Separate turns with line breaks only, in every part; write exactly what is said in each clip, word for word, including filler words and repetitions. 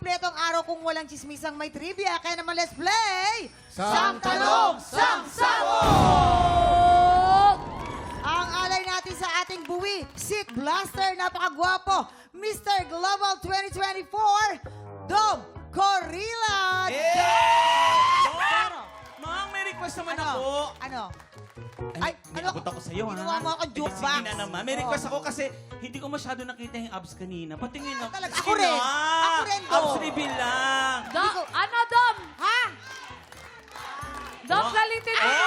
kumpleto ang araw kung walang chismisang may trivia. Kaya naman, let's play!
Sang Tanong, Sang
Sabog! Ang alay natin sa ating buwi, Seat Blaster, napakagwapo, Mister Global twenty twenty-four, Dom Corilla!
Dom! Mang, may request naman
Ano?
ako.
Ano?
Ay, may abot ako sa'yo, ha?
Ginawa mo akong
Eh,
joke
Sige
box.
na naman. May request ako kasi hindi ko masyado nakita yung abs kanina. Patingin
Ah,
ako.
talaga.
Sige
Ako rin.
na.
Ako rin, Dom.
Abs reveal lang.
Dom, ano, Dom?
Ha?
Dom,
Oh.
galitin mo.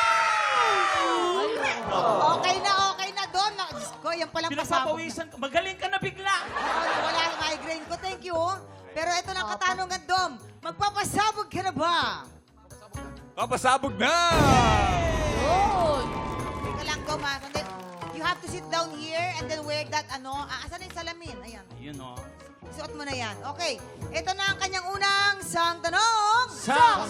Okay na, okay na, Dom. Na- Diyos ko, yan palang pasabog na.
Pinapapawisan ka. Magaling ka na bigla.
Ako, wala ang migraine ko. Thank you. Pero ito na ang katanungan, Dom. Magpapasabog ka na ba?
Papasabog na!
Yun.
Teka lang, Dom, ha? And then, you have to sit down here and then wear that, ano, ah, asan yung salamin? Ayan.
Ayun, oh.
Suot mo na yan. Okay. Ito na ang kanyang unang sang tanong.
Sang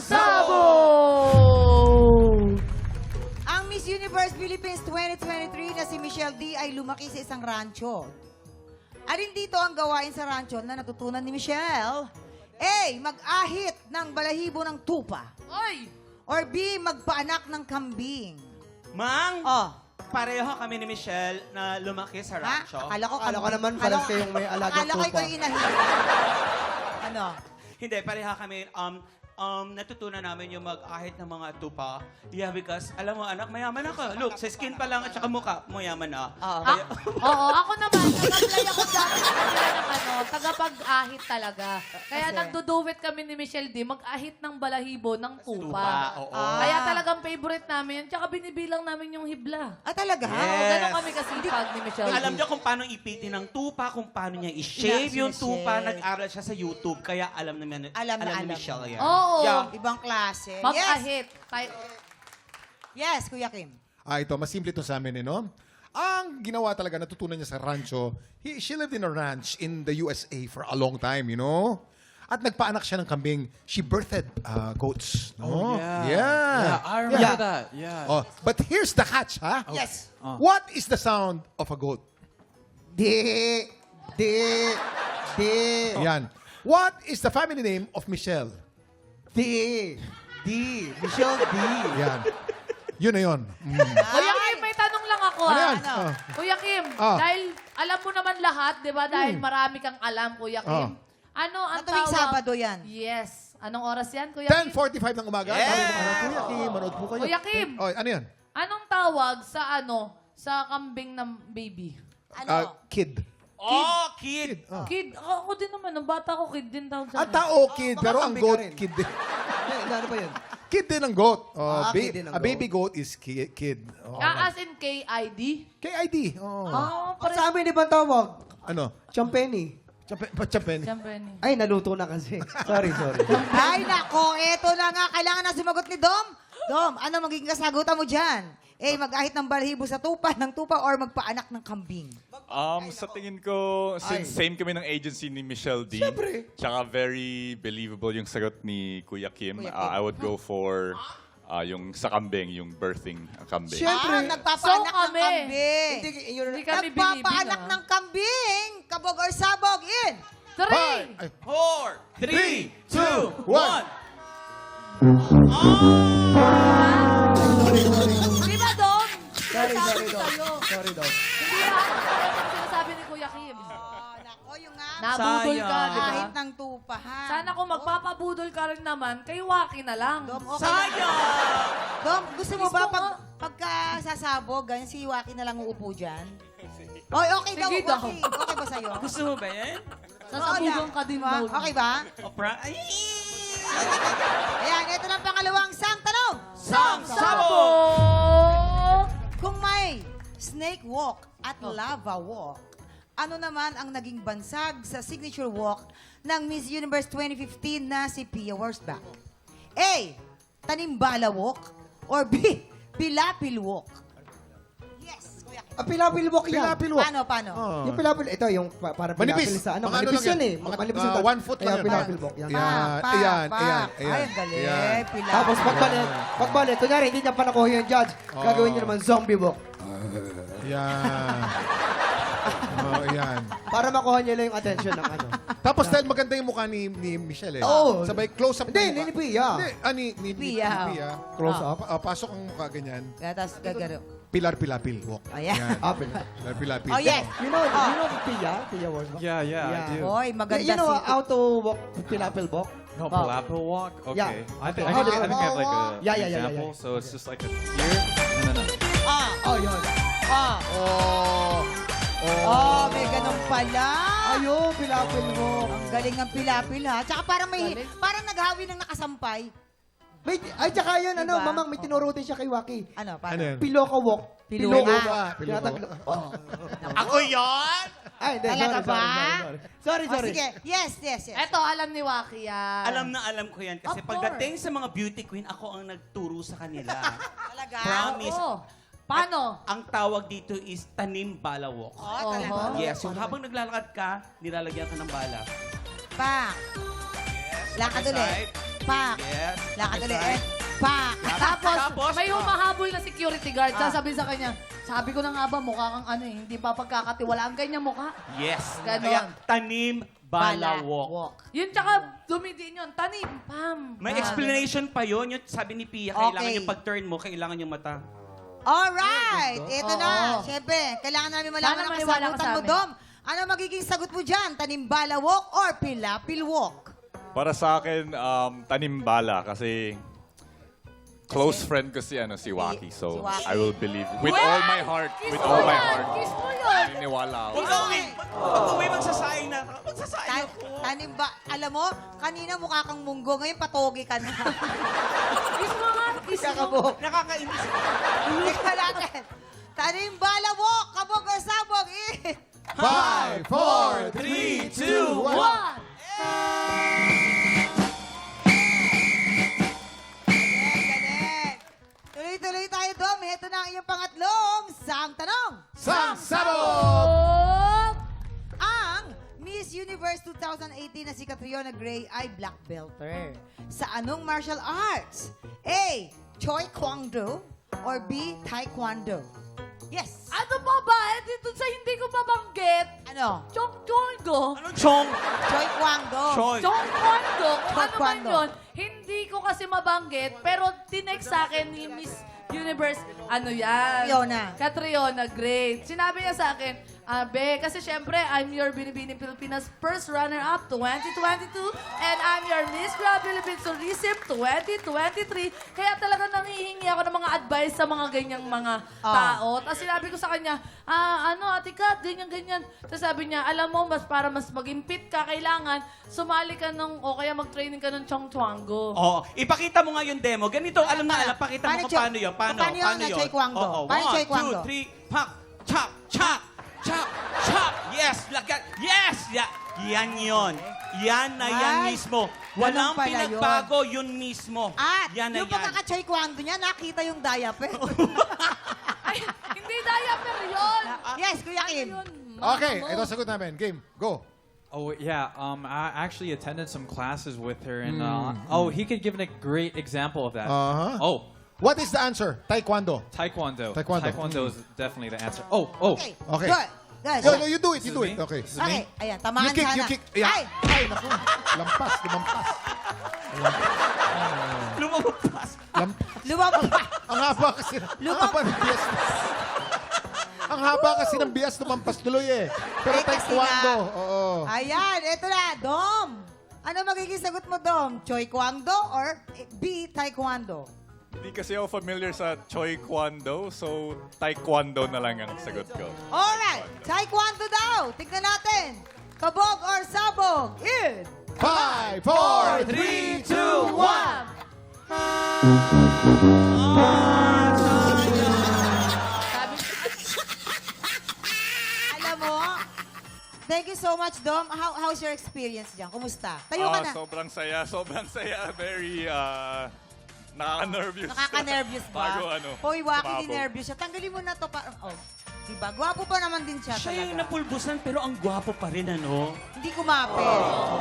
Sabog!
Ang Miss Universe Philippines twenty twenty-three na si Michelle D ay lumaki sa isang rancho. Alin dito ang gawain sa rancho na natutunan ni Michelle? A. Mag-ahit ng balahibo ng tupa.
Ay!
Or B. Magpaanak ng kambing.
Mang,
Oh.
pareho kami ni Michelle na lumaki sa
Ha?
rancho.
Akala ko,
Akala ko
kambing.
naman
Akala
parang
ko-
kayong may alagang
Akala ko
tupa.
ikaw yung inahin. Ano?
Hindi, pareha kami. Um, um, natutunan namin yung mag-ahit ng mga tupa. Yeah, because, alam mo anak, mayaman ako. Look, sa skin pa lang at saka mukha, mayaman na.
Oo.
Ah, oo, ako naman, nag-apply ako dati sa kanila ng ano, tagapag-ahit talaga. Kaya
Kasi?
nagduduwit kami ni Michelle D, mag-ahit ng balahibo ng tupa.
Tupa, oo.
Ah.
Kaya talagang favorite namin yun. Tsaka binibilang namin yung hibla.
Ah, talaga?
Yes.
Oo, ganun kami kasipag ni Michelle D.
Alam niyo kung paano ipitin ng tupa, kung paano niya i-shave
Ina-
yung tupa.
sinashave.
Nag-aral siya sa YouTube, kaya alam naman
Alam na
ni
alam.
Michelle yan.
Oo.
Yeah.
Ibang klase. Yes.
Mag-ahit. Tayo-
Yes, Kuya Kim.
Ah, ito, mas simple ito sa amin, eh, no? Ang ginawa talaga, natutunan niya sa rancho, he, she lived in a ranch in the U S A for a long time, you know? At nagpaanak siya ng kambing. She birthed uh, goats. No?
Oh, yeah.
Yeah.
Yeah, I remember
Yeah.
that. Yeah.
Oh, but here's the catch, ha?
Yes.
What is the sound of a goat?
Di, di, di,
Yan. What is the family name of Michelle?
di, di. Michelle D.
Yan. Yun na yun. Mm.
Kuya Kim, may tanong lang ako.
Ano
ah.
yan?
Ano?
Ah.
Kuya Kim,
Ah.
dahil alam mo naman lahat, di ba? Dahil marami kang alam, Kuya Kim. Ano ang
Na tuwing
tawag?
Sabado yan.
Yes. Anong oras yan, Kuya
ten
Kim?
forty-five ng umaga.
Yes!
Sabi ko, ano, Kuya Kim, manood po kayo.
Kuya Kim.
Oh, ano yan?
Anong tawag sa ano, sa kambing ng baby?
Ano?
Ah, kid.
Oh, kid!
Ah.
Kid, ako, ako din naman, nung bata ko, kid din tawag sa
Ang
akin.
tao, kid.
mga
Pero ang
kambing
goat,
ka rin.
kid din.
Hindi, ano ba yun?
Kid din ang goat. Oh,
Ah,
ba-
kid din ang
a baby
goat.
goat is ki- kid. Oh.
Ah, as in K I D?
K I D. Oh.
Oh,
At sa amin, ibang tawag.
Ano?
Champeni.
Chapen. Chapen.
Siyempre ni.
Ay, naluto na kasi. Sorry, sorry.
Ay, nako, eto na nga. Kailangan na sumagot ni Dom. Dom, ano magiging kasagutan mo dyan? A, mag-ahit ng balahibo sa tupa, ng tupa, or magpaanak ng kambing?
Ah.
Um, sa tingin ko, since same kami ng agency ni Michelle D,
Siyempre.
tsaka very believable yung sagot ni Kuya Kim,
Kuya Kim.
uh, I would go for uh, yung sa kambing, yung birthing ng kambing.
Siyempre.
Ah, nagpapaanak
So
ng
kami.
kambing.
Hindi, yun,
Hindi kami
Nagpapaanak
binibing,
ng kambing. Kabog or sabog, in.
Three!
Five. Ay,
Four, three, two,
one.
one.
Di ba, Dom?
Sorry, sorry, Dom.
Sa'yo.
Sorry, Dom.
Hindi lahat ng pareho ang sinasabi ni Kuya Kim.
Oh, nako, yung nga.
Nabudol ka,
Sayang.
di ba?
Ahit ng tupa, ha?
Sana kung magpapabudol ka rin naman, kay Waki na lang.
Dom, okay.
Sayang!
Dom, gusto mo
Gusto
ba
mo?
pag, pagka sasabog, ganyan si Waki na lang uupo dyan? Oy, okay daw,
Sige daw.
okay. Okay ba sa'yo?
Gusto mo ba yan?
Sasabugan
Oo,
ka din
diba?
daw.
Okay ba?
Opera? Ay!
Ayan, ito na ang pangalawang sang tanong.
Sang Sabog!
Oh!
Kung may snake walk at lava walk, ano naman ang naging bansag sa signature walk ng Miss Universe twenty fifteen na si Pia Wurzbach? A. Tanimbala walk or B. Pilapil walk? Yes, Kuya Kim.
Ah, pilapilbok yan.
Pilapilwok.
Paano, paano?
Oh.
Yung pilapil, ito yung pa- para
Manipis.
pilapil sa ano.
Mga ano
Manipis
lang
yan
yan.
eh.
Mga,
Manipis
ah,
yung
one foot lang
Kaya
yan.
pilapilbok yan.
Yan.
Pa, pa,
ayan,
pa.
ayan, ayan.
Ay, ang galing.
Ayan.
Pilapil.
Tapos pagbalik, pagbalik, kunyari, hindi niya pa nakuha yung judge. Gagawin niyo naman zombie walk.
Yan. Oh, yan.
Para makuha niya lang yung attention ng ano.
Tapos dahil maganda yung mukha ni, ni Michelle eh.
Oo.
Sabay close-up
Hindi,
ng mukha.
hindi ni Pia.
Hindi, ah, ni, ni, ni,
Pia.
ni Pia. Close up. Ah, pasok ang mukha ganyan.
Kaya tapos gagaro.
Pilar-pilapil walk.
Ayan.
Ah, pala.
Pilar-pilapil.
Oh, yes.
You know, you know Pia? Pia Worsbach?
Yeah, yeah,
Yeah.
I do.
Hoy, maganda
You know
si...
how to walk Pilapil walk?
No,
Oh.
Palapil walk? Okay.
Yeah.
I think,
Okay.
I, think, I think I have like a
Yeah, yeah, yeah, yeah,
example.
yeah.
So it's just like a here and then a...
Ah,
Oh, yun.
ah.
Oh.
Oh, may ganun pala.
Ayun, Pilapil walk.
Ang galing ng pilapil ha. Tsaka parang may,
Galing.
parang naghawi ng nakasampay.
May, ay, tsaka yun, ano,
Diba?
mamang, may tinuro din siya kay Waki.
Ano,
Ano
paano?
yan?
Piloka walk.
Piloka.
Piloka.
Tinatatlo. Oh.
Ako yon?
Ay, hindi,
Talaga
sorry,
ba?
sorry, sorry, sorry. Sorry,
Oh,
sorry.
sige. Yes, yes, yes.
Eto, alam ni Waki yan.
Alam na alam ko yan. Kasi
Of
pagdating sa mga beauty queen, ako ang nagturo sa kanila.
Talaga?
Promise.
Oo. Paano?
Ang tawag dito is tanim bala walk.
Oh, talaga.
Oho.
Yes, yung habang naglalakad ka, nilalagyan ka ng bala.
Pak. Lakad
Other
ulit.
side.
Pak.
Yes.
Lakad
other
ulit.
side.
Pak.
Tapos,
Tapos,
may
ah.
humahabol na security guard.
Ah.
Sasabihin sa kanya, sabi ko na nga ba, mukha kang ano eh, hindi pa pagkakatiwalaan ganyan mukha.
Yes.
Ganon.
Kaya tanim bala walk.
Yun tsaka, dumidiin yun, tanim, pam.
May
Ah,
explanation pa yun. Yung sabi ni Pia,
Okay.
kailangan yung pag-turn mo, kailangan yung mata.
Alright. Ito na.
Oo.
Siyempre, kailangan namin malaman
Sana
ang
maniwala ka
kasagutan
sa
mo,
amin.
Dom. Ano magiging sagot mo dyan? Tanimbala walk or pilapil walk?
Para sa akin, um, tanim bala kasi close friend ko si, ano, si Waki. So,
Si Waki.
I will believe with
Well,
all my heart,
kiss
with
mo
all my
yan,
heart.
kiss mo yun.
Naniniwala ako.
Pag uwi, pag uwi magsasayang na. Magsasayang
Ta-
ako.
tanimba, alam mo, kanina mukha kang munggo, ngayon patogi ka na.
Kiss mo nga, kiss mo.
Kakabok.
Nakakainis.
Ika natin. Tanimbala walk, kabog or sabog, eh.
Five, four, three, two, one.
One.
Galing, galing. Tuloy-tuloy tayo, Dom. Ito na ang iyong pangatlong sang tanong.
Sang Sabog!
Oh!
Ang Miss Universe twenty eighteen na si Catriona Gray ay black belter. Sa anong martial arts? A. Choi Kwang Do or B. Taekwondo? Yes.
Ano pa ba? Eh, dito sa hindi ko mabanggit.
Ano?
Chong Chongo.
Anong chong?
Choi Kwang Do.
Choy.
Chong Kwando. Kung ano man
Taekwondo.
yun, hindi ko kasi mabanggit. Pero tinext sa akin ni Miss Universe, ano yan?
Catriona.
Catriona, great. Sinabi niya sa akin, Abe, kasi syempre, I'm your Binibining Pilipinas first runner-up twenty twenty-two and I'm your Miss Grand Philippines Tourism twenty twenty-three. Kaya talaga nangihingi ako ng mga advice sa mga ganyang mga
Ah.
tao. Tapos sinabi ko sa kanya, ah, ano, Ate Kat, ganyan-ganyan. Tapos sabi niya, alam mo, mas para mas maging fit ka, kailangan sumali ka nung, o kaya mag-training ka ng Chong Chuango.
Oo. Ipakita mo nga yung demo. Ganito, alam na alam. Pakita
Paano
mo kung
Choy-
paano yun. Paano?
paano yun na Choy Kwang Do?
Oo.
Paano
One,
Choy Kwang
two,
Do?
three, pak, chak, chak, chak, chak. Yes, lagat. Yes! Ya, yan yon. Yan na yan
Ay,
mismo.
ganun
Walang
pala
pinagbago yun mismo.
At
yan na
yung
yan.
pagkaka-Choi Kwang Do niya, nakita yung diaper.
Ay, hindi diaper yun!
yes, Kuya
Ano
Kim.
yun?
Okay,
Mama mo.
ito sagot namin. Game, go.
Oh yeah, um, I actually attended some classes with her, and uh, oh, he could give a great example of that.
Uh-huh.
Oh,
What is the answer? Taekwondo.
Taekwondo.
Taekwondo.
is definitely the answer. Oh, oh.
Okay.
Okay.
Good. Good.
Yo, no, you do it, you
This
do
is
it.
me?
Okay.
This is
Okay,
me?
ayan, tamaan
You kick,
sana.
you kick. Yeah.
Ay!
Ay, naku. Lampas, lumampas.
Lumabas.
Lam-
Lumabas.
ang haba kasi, ang
Lumam-
haba ng bias. ang haba kasi ng bias lumampas tuloy eh. Pero
Eh, kasi
taekwondo.
nga-
Oo.
Ayan, eto na, Dom. Ano magiging sagot mo, Dom? Choi Kwang Do or B. Taekwondo?
Hindi kasi ako familiar sa Choi Kwando, so Taekwondo na lang ang sagot ko.
Alright, Taekwondo daw. Tignan natin. Kabog or sabog? In.
Five, four, three, two, one.
Sabi
Alam mo, thank you so much, Dom. How, how's your experience dyan? Kumusta? Tayo ka
Ah,
na.
sobrang saya, sobrang saya. Very, uh, nakaka-nervous.
Nakaka-nervous ba?
Bago ano,
Hoy, Waki,
sumabog.
din nervous siya. Tanggalin mo na to. Para, oh, diba? Gwapo pa naman din siya
Siya yung
talaga.
napulbusan pero ang gwapo pa rin, ano?
Hindi kumapit.